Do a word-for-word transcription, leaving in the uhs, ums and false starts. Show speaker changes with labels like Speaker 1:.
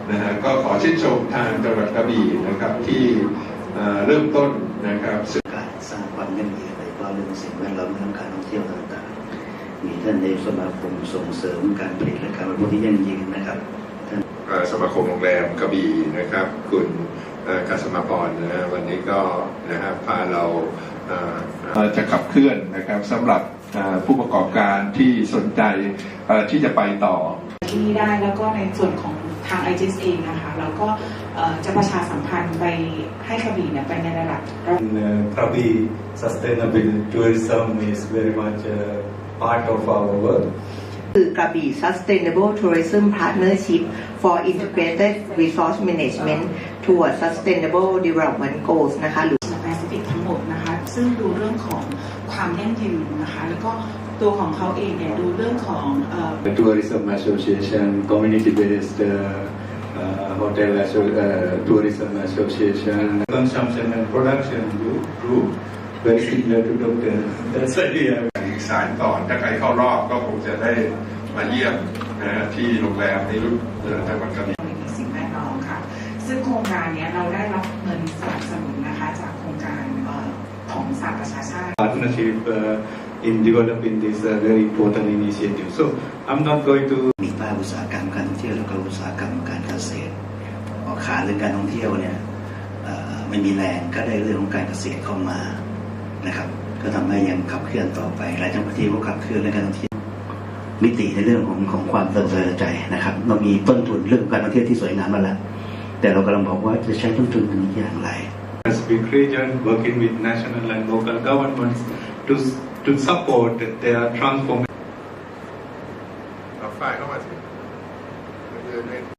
Speaker 1: นะฮะก็ขอชื่นชมทางจังหวัดกระบี่นะครับที่เริ่มต้นนะครับ
Speaker 2: การสร้างความยั่งยืนโดยเฉพาะเรื่องสิ่งแวดล้อมเรื่องการท่องเที่ยวต่างๆมีท่านในสมาคมส่งเสริมการผลิตและการบริโภคที่ยั่งยืนนะครับท่าน
Speaker 1: สมาคมโรงแรมกระบี่นะครับคุณกัสมาพรนะวันนี้ก็นะครับพาเราจะขับเคลื่อนนะครับสำหรับผู้ประกอบการที่สนใจที่จะไปต่อ
Speaker 3: ที่นี่ได้แล้วก็ในส่วนของทาง ไอ จี เอส เองนะคะเราก็จะประชาสัมพันธ์ไปให้กระบี่เนี่ยไปในระดับ
Speaker 4: กระบี่ sustainable tourism is very much part of our work
Speaker 5: คือกระบี่ Sustainable Tourism Partnership for Integrated Resource Management toward Sustainable Development Goals นะคะหรือ
Speaker 3: แปซิฟิกทั้งหมดนะคะซึ่งดูเรื่องของความยั่งยืนนะคะแล้วก็ตัวของเขาเองเนี่ยดูเรื่องของ
Speaker 4: Tourism Association Community Based Hotel Tourism Association Consumption and Production Group very similar to Doctor That's idea
Speaker 1: สารก่อนถ้าใครเข้ารอบก็คงจะได้มาเยี่ยมนะที่โรงแรมในรุ่นจังหวัดกระบี่
Speaker 3: สิ่งแวดล้อมค่ะซึ่งโครงการนี้เราได้รับเงินสนับสนุนนะคะจากโครงการของสหประชาชาติ
Speaker 4: Partnership in developing this very important initiative so I'm not going to
Speaker 2: มีภาคอุตสาหกรรมการท่องเที่ยวและก็อุตสาหกรรมการเกษตรออกขาเรื่องการท่องเที่ยวเนี่ยไม่มีแรงก็ได้เรื่องของการเกษตรเข้ามานะครับก็ทำให้ยังขับเคลื่อนต่อไปหลายจังหวัดที่ก็ขับเคลื่อนเรื่องการท่องเที่ยวมิติในเรื่องของของความเติบโตใจนะครับเรามีต้นทุนเรื่องการท่องเที่ยวที่สวยงามมาแล้วแต่เรากำลังบอกว่าจะใช้ต้นทุนนี้อย่างไร
Speaker 4: Pacific region working with national and local governments to to support their transformation